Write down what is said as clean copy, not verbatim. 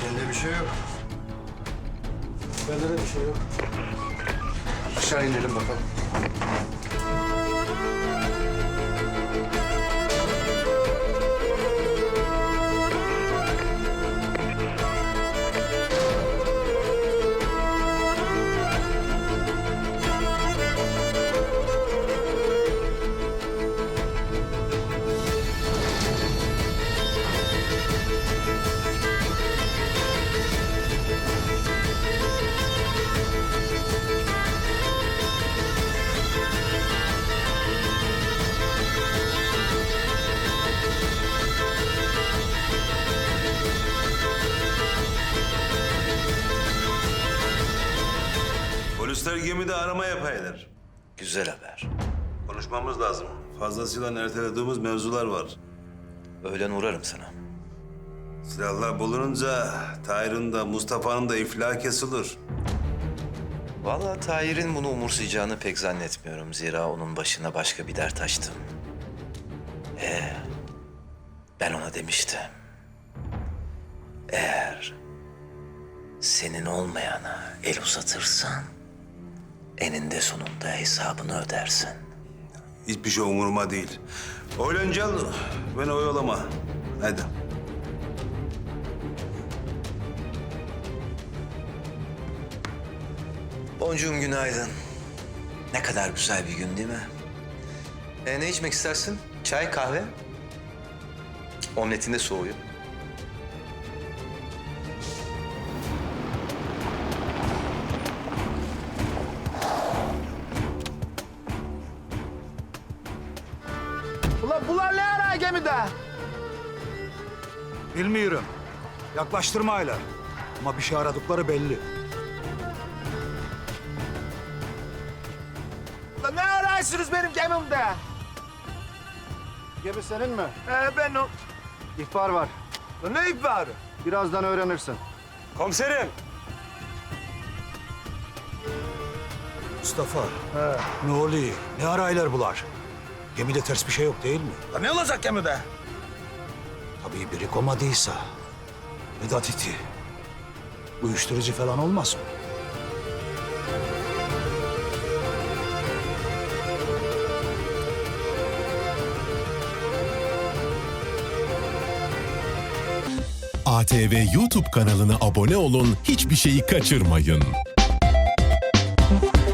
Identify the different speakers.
Speaker 1: Sende bir şey yok.
Speaker 2: Bende de bir şey yok.
Speaker 1: Aşağı inelim bakalım.
Speaker 3: Polisler gemide arama yapaylar.
Speaker 4: Güzel haber.
Speaker 3: Konuşmamız lazım. Fazlasıyla ertelediğimiz mevzular var.
Speaker 4: Öğlen uğrarım sana.
Speaker 3: Silahlar bulununca Tahir'in de Mustafa'nın da iflahı kesilir.
Speaker 4: Vallahi Tahir'in bunu umursayacağını pek zannetmiyorum. Zira onun başına başka bir dert açtım. Ben ona demiştim. Eğer senin olmayana el uzatırsan eninde sonunda hesabını ödersin.
Speaker 3: Hiçbir şey umuruma değil. Oylancal beni oyalama. Hadi.
Speaker 4: Boncuğum günaydın. Ne kadar güzel bir gün değil mi? Ne içmek istersin? Çay, kahve? Omletin de soğuyor.
Speaker 2: Ulan bunlar ne ara gemide?
Speaker 5: Bilmiyorum. Yaklaştırmayla. Ama bir şey aradıkları belli.
Speaker 2: Ulan ne arıyorsunuz benim gemimde? Gemi senin mi?
Speaker 5: Ben o...
Speaker 2: İhbar var.
Speaker 5: Lan ne ihbarı?
Speaker 2: Birazdan öğrenirsin.
Speaker 5: Komiserim. Mustafa. Ne oluyor? Ne araylar bular? Gemide ters bir şey yok değil mi?
Speaker 2: Lan ne olacak gemide?
Speaker 5: Tabii biri komadıysa. Vedat iti. Uyuşturucu falan olmaz mı?
Speaker 6: ATV YouTube kanalına abone olun, hiçbir şeyi kaçırmayın.